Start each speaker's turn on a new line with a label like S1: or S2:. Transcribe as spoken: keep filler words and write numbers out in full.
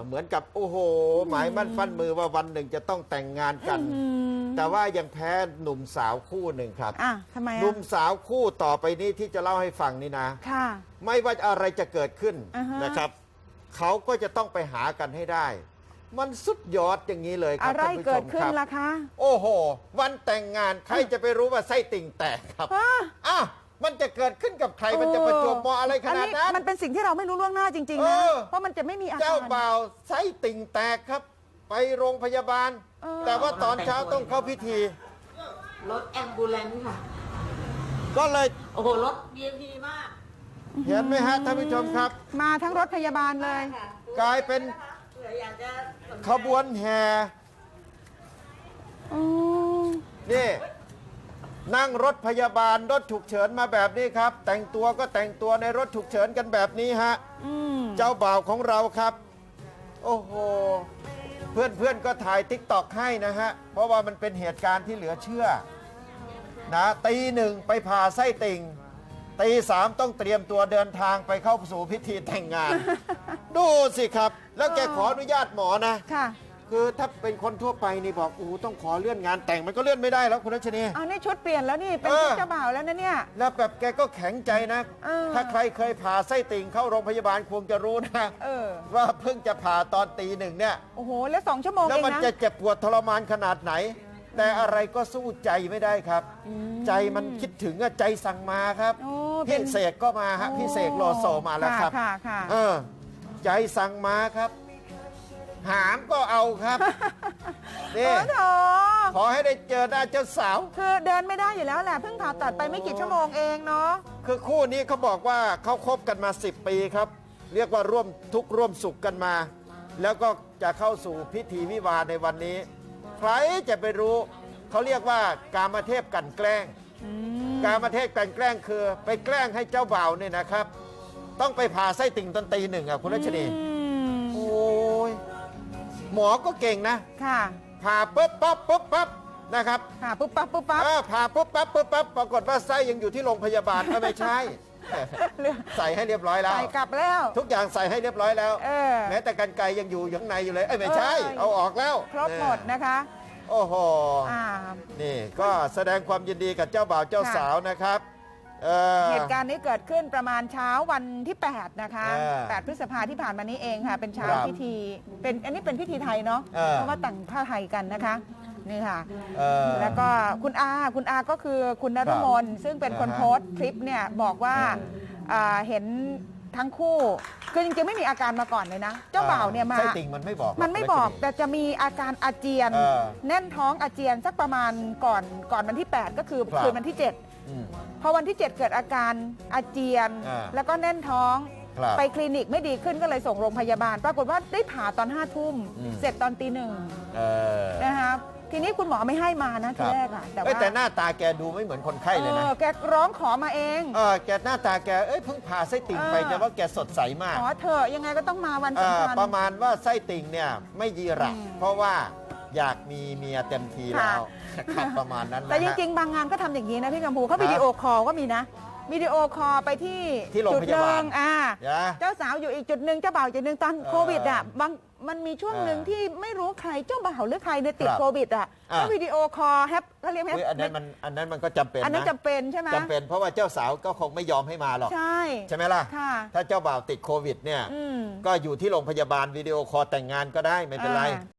S1: เหมือนกับโอ้โหหมายมั่นฟันมือว่าวันหนึ่งจะต้องแต่งงานกัน แต่ว่ายังแพ้หนุ่มสาวคู่หนึ่งครับ
S2: อ่ะทำไม
S1: ห
S2: อ่ะ
S1: นุ่มสาวคู่ต่อไปนี้ที่จะเล่าให้ฟังนี่นะ
S2: ค่ะ
S1: ไม่ว่าอะไรจะเกิดขึ้น
S2: อ่าฮะ
S1: นะครับเขาก็จะต้องไปหากันให้ได้ มันสุดยอดอย่างนี้เลยครั
S2: อะไร
S1: ท่านผู้ช
S2: เกิด
S1: ม
S2: ขึ้
S1: คน รับ
S2: ล่ะคะ
S1: โอ้โห วันแต่งงานใครจะไปรู้ว่าไส้ติ่งแตกครับ
S2: ฮะ
S1: อ้าวมันจะเกิดขึ้นกับใครมันจะประจวบเหมาะอะไรขนาดนั้น
S2: มันเป็นสิ่งที่เราไม่รู้ล่วงหน้าจริงๆ
S1: เอ
S2: นะ
S1: อ
S2: เพราะมันจะไม่มีอาการ
S1: เจ้าบ่าวไส้ติ่งแตกครับ ไปโรงพยาบาล
S2: เออ
S1: แต่ว่าตอนเช้าต้องเข้าพิธี
S3: รถแอมบูเลนซ์ค่ะ
S1: ก็เลย
S3: โอ้โห รถ วี ไอ พี มาก
S1: เห็นไหมฮะท่านผู้ชมครับ
S2: มาทั้งรถพยาบาลเลย
S3: ค่ะ
S1: กลายเป็น
S3: เผื่ออยากจะสนใจ
S1: ขบวนแห่
S2: อืม
S1: นี่นั่งรถพยาบาลรถฉุกเฉินมาแบบนี้ครับ แต่งตัวก็แต่งตัวในรถฉุกเฉินกันแบบนี้ฮะ
S2: อืม
S1: เจ้าบ่าวของเราครับ โอ้โห เพื่อนเพื่อนๆก็ถ่ายติ๊กตอกให้นะฮะ เพราะว่ามันเป็นเหตุการณ์ที่เหลือเชื่อนะตีหนึ่งไปผ่าไส้ติ่งตีสามต้องเตรียมตัวเดินทางไปเข้าสู่พิธีแต่งงาน ดูสิครับ แล้วแกขออนุญาตหมอนะ
S2: ค่ะ
S1: คือถ้าเป็นคนทั่วไปนี่บอกโอ้โหต้องขอเลื่อนงานแต่งมันก็เลื่อนไม่ได้แล้วคุณรัชนี
S2: เอานี่ชุดเปลี่ยนแล้วนี่ เป็น
S1: เออ
S2: ชุดเจ้าบ่าวแล้วนะเนี่ย
S1: แล้วแบบแกก็แข็งใจนะ
S2: เออ
S1: ถ้าใครเคยผ่าไส้ติ่งเข้าโรงพยาบาลคงจะรู้นะ
S2: เออ
S1: ว่าเพิ่งจะผ่าตอนตีหนึ่งเนี่ย
S2: โอ้โห แล้วสองชั่วโมง
S1: แล้ว
S2: เอง
S1: มัน
S2: นะ
S1: จะเจ็บปวดทรมานขนาดไหน แต่อะไรก็สู้ใจไม่ได้ครับ ใจมันคิดถึงอะใจสั่งมาครับ
S2: โอ้เป็
S1: พี่
S2: น
S1: เสกก็มาฮะพี่เสกโลโซมาแล้วครับ
S2: ค่ะค่ะ
S1: เออ ใจสั่งมาครับ หามก็เอาครับ
S2: โอ้
S1: นี่
S2: โถ
S1: ขอให้ได้เจอหน้าเจ้าสาว
S2: คือเดินไม่ได้อยู่แล้วแหละ เพิ่งผ่าตัดไปไม่กี่ชั่วโมงเองเนาะ
S1: คือคู่นี้เขาบอกว่าเขาคบกันมา สิบ ปีครับ เรียกว่าร่วมทุกข์ร่วมสุขกันมา แล้วก็จะเข้าสู่พิธีวิวาห์ในวันนี้ ใครจะไปรู้ เขาเรียกว่ากามเทพกลั่นแกล้ง กามเทพกลั่นแกล้งคือ ไปแกล้งให้เจ้าบ่าวเนี่ยนะครับ ต้องไปผ่าไส้ติ่งตอนตีหนึ่งอ่ะคุณรัชนี
S2: อืม
S1: โอ้ยหมอก็เก่งนะ
S2: ค่ะ
S1: ผ่าปุ๊บปั๊บปุ๊บปั๊บนะครับ
S2: ค่ะปุ๊บปั๊บปุ๊บปั๊บ
S1: เออผ่าปุ๊บปั๊บปุ๊บปั๊บปรากฏว่าไส้ยังอยู่ที่โรงพยาบาลเออไม่ใช่ ใส่ให้เรียบร้อยแล้ว
S2: ใส่กลับแล้ว
S1: ทุกอย่างใส่ให้เรียบร้อยแล้ว
S2: เออ
S1: แม้แต่กรรไกรยังอยู่อยู่ข้างในอยู่เลยเอ้ยไม่ใช่
S2: เออ
S1: เอาออกแล้ว
S2: ครบหมดนะคะ
S1: โอ้โห
S2: อ่า
S1: นี่ก็แสดงความยินดีกับเจ้าบ่าวเจ้า
S2: ค่ะ
S1: สาวนะครับเออ
S2: เหตุการณ์นี้เกิดขึ้นประมาณเช้าวันที่ แปด นะคะ
S1: เออ
S2: แปด พฤษภาที่ผ่านมานี้เองค่ะ เป็นเช้า
S1: ครับ
S2: พิธี เป็นอันนี้เป็นพิธีไทยเนาะ
S1: เออ
S2: เพราะว่าแต่งผ้าไทยกันนะคะ นี่ค่ะ
S1: เออ
S2: แล้วก็คุณอา คุณอาก็คือคุณนฤมลซึ่งเป็นคน
S1: อ่าฮะ
S2: โพสต์คลิปเนี่ยบอกว่าอ่าเห็นทั้งคู่ คือจริงๆไม่มีอาการมาก่อนเลยนะ เจ้าบ่าวเนี่ยมา
S1: ไส้ติ่งมันไม่บอกหร
S2: มันไม่บอก
S1: รัช
S2: แต่จะมีอาการอาเจียน
S1: เออ
S2: แน่นท้องอาเจียนสักประมาณก่อนก่อนวันที่ แปด ก็คือ
S1: ครับ
S2: คืนวันที่ เจ็ด
S1: อืม
S2: พอวันที่ เจ็ด เกิดอาการอาเจียน
S1: อ่า
S2: แล้วก็แน่นท้อง
S1: ครับ
S2: ไปคลินิกไม่ดีขึ้นก็เลยส่งโรงพยาบาล ปรากฏว่าได้ผ่าตอนห้าทุ่ม
S1: อืม
S2: เสร็จตอนตีหนึ่ง
S1: เออ
S2: นะคะทีนี้คุณหมอไม่ให้มานะทีแรกอะแต่
S1: เอ้ย
S2: ว่า
S1: แต่หน้าตาแกดูไม่เหมือนคนไข้เลยนะ
S2: เออแกร้องขอมาเอง
S1: เออแกหน้าตาแกเอ้ยเพิ่งผ่าไส้ติ่งไป
S2: เออ
S1: แต่ว่าแกสดใสมาก
S2: ขอเถอะยังไงก็ต้องมาวัน
S1: เอ่อ
S2: สำคัญ
S1: ประมาณว่าไส้ติ่งเนี่ยไม่ยีระ
S2: อืม
S1: เพราะว่าอยากมีเมียเต็มทีแล้วครับประมาณนั้นนะ
S2: แต่จ
S1: ฮะ
S2: ริงๆ บางงานก็ทำอย่างนี้นะพี่กัมพูเขา
S1: ครับ
S2: วิดีโอคอลก็มีนะวิดีโอคอลไปที่
S1: ที่โรง
S2: จุด
S1: พ
S2: ห
S1: ยาบาล
S2: นึ่งอ่า
S1: นะ
S2: เจ้าสาวอยู่อีกจุดหนึ่งเจ้าบ่าวอีกจุดหนึ่งตอน
S1: เออ
S2: โควิดอ่ะบางมันมีช่วงหนึ่ง
S1: เออ
S2: ที่ไม่รู้ใครเจ้าบ่าวหรือใครเนี่ยติด
S1: ครับ
S2: โควิดอ่ะ
S1: อ่ะ
S2: ก็วิดีโอคอลแฮปเขาเรียกแฮป
S1: เฮ้ยอันนั้นมันอันนั้นมันก็จำเป็น
S2: อันนั้น
S1: นะ
S2: จำเป็นใช่ไหม
S1: จำเป็นเพราะว่าเจ้าสาวก็คงไม่ยอมให้มาหรอก
S2: ใช่
S1: ใช่ไหมล่ะ
S2: ค่ะ
S1: ถ้าเจ้าบ่าวติดโควิดเนี่ย
S2: อืม
S1: ก็อยู่ที่โรงพยาบาลวิดีโอคอลแต่งงานก็ได้ไม่เป็นไร
S2: อ่า